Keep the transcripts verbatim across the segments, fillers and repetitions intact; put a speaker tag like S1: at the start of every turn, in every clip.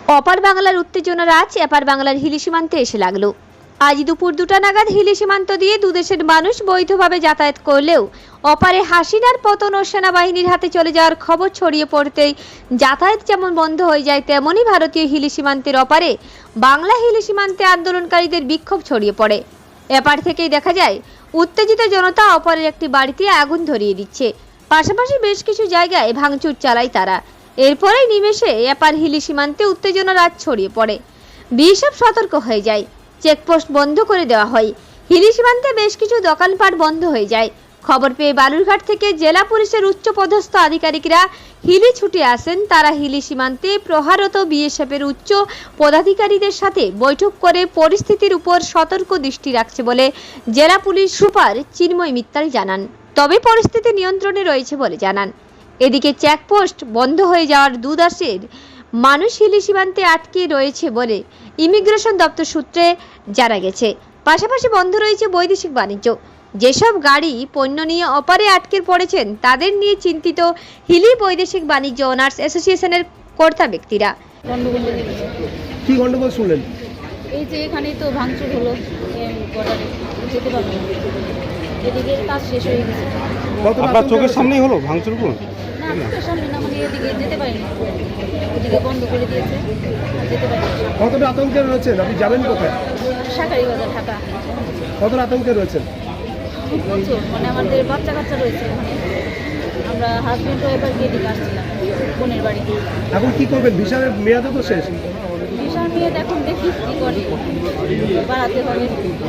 S1: অপার বাংলার উত্তেজনার আজ এপার বাংলার হিলি সীমান্তে এসে লাগলো। আজ দুপুর দুটা নাগাদ হিলি সীমান্ত দিয়ে দুদেশের মানুষ বৈধভাবে যাতায়াত করলেও অপারে হাসিনার পতন ও সেনাবাহিনীর হাতে চলে যাওয়ার খবর ছড়িয়ে পড়তেই যাতায়াত যেমন বন্ধ হয়ে যায়, তেমনই ভারতীয় হিলি সীমান্তের অপারে বাংলা হিলি সীমান্তে আন্দোলনকারীদের বিক্ষোভ ছড়িয়ে পড়ে। এপার থেকেই দেখা যায় উত্তেজিত জনতা অপারের একটি বাড়িতে আগুন ধরিয়ে দিচ্ছে, পাশাপাশি বেশ কিছু জায়গায় ভাঙচুর চালায় তারা। এরপরেই নিমেষে এপার হিলি সীমান্তে উত্তেজনার আজ ছড়িয়ে পড়ে। বিএসএফ সতর্ক হয়ে যায়, চেকপোস্ট বন্ধ করে দেওয়া হয়। হিলি সীমান্তে বেশ কিছু দোকানপাট বন্ধ হয়ে যায়। খবর পেয়ে বালুরঘাট থেকে জেলা পুলিশের উচ্চপদস্থ আধিকারিকরা হিলি ছুটে আসেন। তারা হিলি সীমান্তে প্রহারত বিএসএফের উচ্চ পদাধিকারীদের সাথে বৈঠক করে পরিস্থিতির উপর সতর্ক দৃষ্টি রাখছে বলে জেলা পুলিশ সুপার চিন্ময় মিত্তাল জানান। তবে পরিস্থিতি নিয়ন্ত্রণে রয়েছে বলে জানান। এদিকে চেকপোস্ট বন্ধ হয়ে যাওয়ার দুদেশের মানুষ হিলি সীমান্তে আটকে রয়েছে বলে ইমিগ্রেশন দপ্তর সূত্রে জানা গেছে। পাশাপাশি বন্ধ রয়েছে বৈদেশিক বাণিজ্য। যেসব গাড়ি পণ্য নিয়ে অপারে আটকে পড়েছেন তাদের নিয়ে চিন্তিত হিলি বৈদেশিক বাণিজ্য অনার্স অ্যাসোসিয়েশনের কর্তা ব্যক্তিরা।
S2: কি গন্ডগোল শুনলেন?
S3: এই যে এখানেই তো ভাঙচুর হলো, বর্ডারে যেতে পারবো না, এদিকে কাজ শেষ হয়ে গেছে।
S2: আপনার চোখের সামনেই হলো ভাঙচুর?
S3: না, চোখের সামনে না, মানে এদিকে যেতে পারিনি, ওদিকে বন্ধ করে দিয়েছে, যেতে পারিনি।
S2: কতটা আতঙ্কে রয়েছেন আপনি যাবেন কোথায়?
S3: শাকারি বাজার, ঢাকা।
S2: কতটা আতঙ্কে রয়েছেন?
S3: খুব প্রচুর, মানে আমাদের বাচ্চা কাচ্চা রয়েছে ওখানে। আমরা হাজব্যান্ড এবার গিয়ে দিকে আসছিলাম বোনের বাড়ি।
S2: এখন কি করবেন? ভিসার মেয়াদও তো শেষ।
S3: ভিসার মেয়াদ এখন দেখি কি করে, বাড়াতে হবে।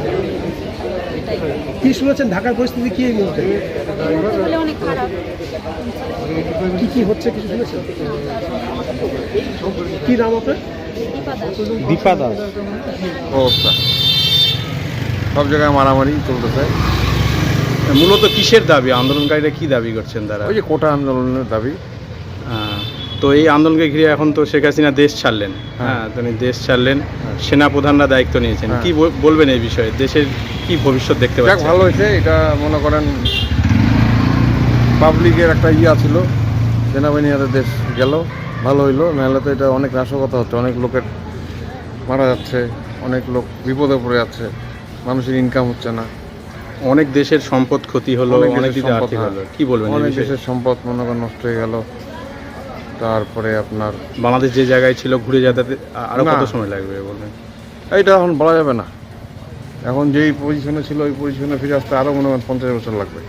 S2: কি শুনেছেন ঢাকার পরিস্থিতি কি এই মুহূর্তে?
S3: এই মুহূর্তে বলে অনেক খারাপ।
S2: কি কি হচ্ছে কিছু শুনেছেন? কি নাম আপনার?
S3: দীপা দাস।
S2: দীপা দাস।
S4: অবস্থা সব জায়গায় মারামারি চলতেছে।
S5: মূলত কিসের দাবি? আন্দোলনকারীরা কি দাবি করছেন তারা?
S4: ওই যে কোটা আন্দোলনের দাবি।
S5: আহ, তো এই আন্দোলনকে ঘিরে এখন তো শেখ হাসিনা দেশ ছাড়লেন। হ্যাঁ, তিনি দেশ ছাড়লেন, সেনা প্রধানরা দায়িত্ব নিয়েছেন। কি বল- বলবেন এই বিষয়ে? দেশের কি ভবিষ্যৎ দেখতে
S4: যাক,
S5: পাচ্ছেন?
S4: ভালো হয়েছে। এটা মনে করেন পাবলিকের একটা ইয়া ছিল, সেনাবাহিনী হাতে দেশ গেল, ভালো হইলো। নাহলে তো এটা অনেক নাশকতা হচ্ছে, অনেক লোকের মারা যাচ্ছে, অনেক লোক বিপদে পড়ে যাচ্ছে, মানুষের ইনকাম হচ্ছে না,
S5: অনেক দেশের সম্পদ ক্ষতি হলো,
S4: অনেক
S5: অনেক
S4: দেশের
S5: দিকে
S4: সম্পদ,
S5: আর্থিক
S4: হ্যাঁ।
S5: হলো। কি বলবেন এই
S4: অনেক
S5: বিষয়ে?
S4: দেশের সম্পদ মনে করেন নষ্ট হয়ে গেল। তারপরে আপনার
S5: বাংলাদেশ যে জায়গায় ছিল ঘুরে যেতে আরো
S4: না।
S5: কত সময় লাগবে বলবেন?
S4: এইটা এখন বলা যাবে না। এখন যেই পজিশনে ছিল ওই পজিশনে ফিরে আসতে আরও মনে করেন পঞ্চাশ বছর লাগবে।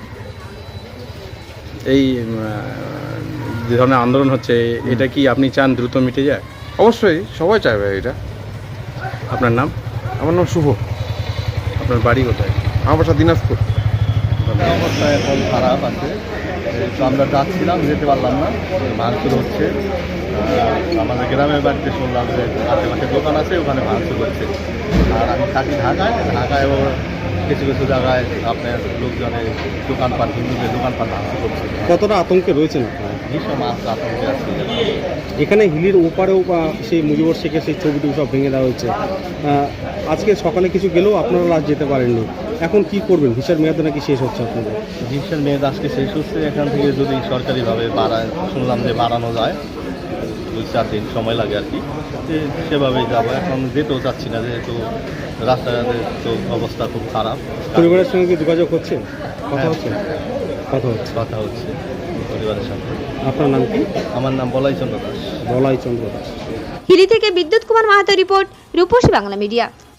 S5: এই উম, আহ, যে ধরনের আন্দোলন হচ্ছে, এটা কি আপনি চান দ্রুত মিটে যায়?
S4: অবশ্যই সবাই চাইবে এটা।
S5: আপনার নাম?
S4: আমার নাম শুভ,
S5: আপনার বাড়ি কোথায়?
S4: আমার বাসা দিনাজপুর।
S6: অবস্থা এখন খারাপ আছে। এই তো আমরা যাচ্ছিলাম, যেতে পারলাম না, ভাঙচুর হচ্ছে। আহ, আমাদের গ্রামের বাড়িতে শুনলাম যে আশেপাশে দোকান আছে, ওখানে ভাঙচুর হচ্ছে। আর আমি থাকি ঢাকায়, ঢাকায়ও কিছু কিছু জায়গায় আপনার লোকজনের দোকানপাট, হিন্দুদের দোকানপাট ভাঙচুর করছে।
S2: কতটা আতঙ্কে রয়েছেন আপনারা?
S6: ভীষণ মাছ আতঙ্কে আছে।
S2: এখানে হিলির ওপারেও বা সেই মুজিবুর শেখের সেই ছবিটি সব ভেঙে দেওয়া হয়েছে। আহ, আজকে সকালে কিছু গেলেও আপনারা আজ যেতে পারেননি। এখন কি করবেন? ভিসার মেয়াদ নাকি শেষ হচ্ছে আপনাদের?
S6: ভিসার মেয়াদ আজকে শেষ হচ্ছে। এখান থেকে যদি সরকারিভাবে বাড়ায়, শুনলাম যে বাড়ানো যায়, দুই চার দিন সময় লাগে আর কি, যে সেভাবেই যাবো। এখন যেতেও চাচ্ছি না, যেহেতু রাস্তাঘাটের তো অবস্থা খুব খারাপ।
S2: পরিবারের সঙ্গে কি যোগাযোগ হচ্ছে? কথা
S6: হ্যাঁ।
S2: হচ্ছে? কথা হচ্ছে।
S6: কথা হচ্ছে পরিবারের সাথে।
S2: আপনার নাম কি?
S6: আমার নাম বলাই চন্দ্র দাস।
S2: বলাই চন্দ্র দাস।
S1: হিলি থেকে বিদ্যুৎ কুমার মাহাতো রিপোর্ট, রূপসী বাংলা মিডিয়া।